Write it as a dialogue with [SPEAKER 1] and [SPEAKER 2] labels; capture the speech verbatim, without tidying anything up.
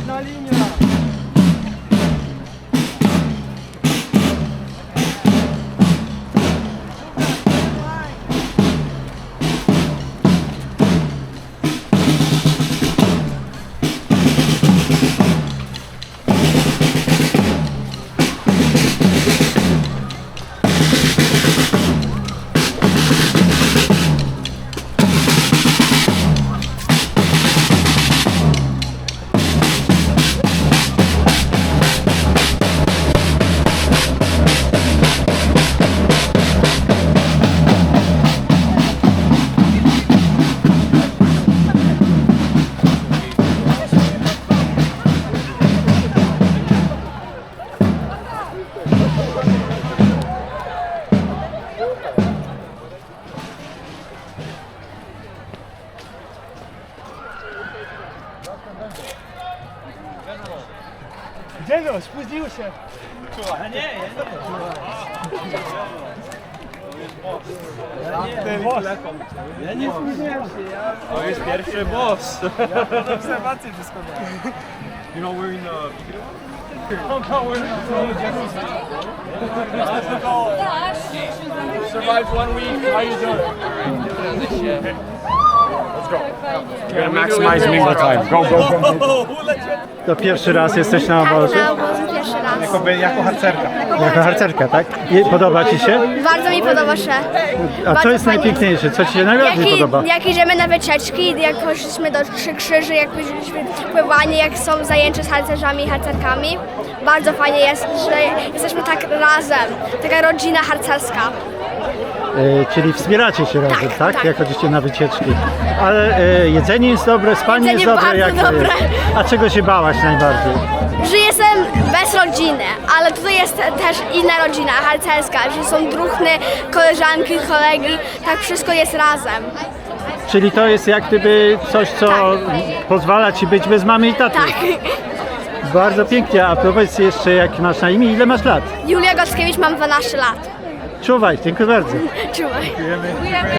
[SPEAKER 1] Jedna linia. Gdzie no? Spóźnił się.
[SPEAKER 2] A nie, ja
[SPEAKER 1] Ten boss. Ja nie spóźniłem się, ja...
[SPEAKER 2] To jest pierwszy boss.
[SPEAKER 1] Ja pod obserwację wszystko miałem.
[SPEAKER 2] You know we're in the
[SPEAKER 3] Survived one week. How you doing? Let's go. You're gonna maximize mingle time. Go, go, go.
[SPEAKER 4] To pierwszy raz jesteś na
[SPEAKER 5] Tak,
[SPEAKER 4] obozie?
[SPEAKER 5] na obozie pierwszy raz.
[SPEAKER 1] Jako, jako harcerka.
[SPEAKER 4] Jako harcerka, tak? I podoba Ci się?
[SPEAKER 5] Bardzo mi podoba się.
[SPEAKER 4] A co
[SPEAKER 5] Bardzo
[SPEAKER 4] jest
[SPEAKER 5] fajnie.
[SPEAKER 4] najpiękniejsze? Co Ci się najbardziej
[SPEAKER 5] Jak,
[SPEAKER 4] podoba?
[SPEAKER 5] i, jak idziemy na wycieczki, jak poszliśmy do Trzy Krzyży, jak poszliśmy pływanie, jak są zajęcia z harcerzami i harcerkami. Bardzo fajnie jest, że jesteśmy tak razem. Taka rodzina harcerska.
[SPEAKER 4] E, czyli wspieracie się razem, tak?
[SPEAKER 5] tak.
[SPEAKER 4] Jak chodzicie na wycieczki. Ale e, jedzenie jest dobre, spanie
[SPEAKER 5] Jedzenie
[SPEAKER 4] jest dobre.
[SPEAKER 5] bardzo
[SPEAKER 4] Jak to
[SPEAKER 5] dobre.
[SPEAKER 4] jest? A czego się bałaś najbardziej?
[SPEAKER 5] Że jestem bez rodziny, ale tutaj jest też inna rodzina harcerska, że są druhny, koleżanki, kolegi, tak wszystko jest razem.
[SPEAKER 4] Czyli to jest jak gdyby coś, co pozwala Ci być bez mamy i taty.
[SPEAKER 5] Tak.
[SPEAKER 4] Bardzo pięknie. A powiedz jeszcze, jak masz na imię, ile masz lat?
[SPEAKER 5] Julia Gockiewicz, mam dwanaście lat.
[SPEAKER 4] Czuwaj, dziękuję bardzo.
[SPEAKER 5] Czuwaj.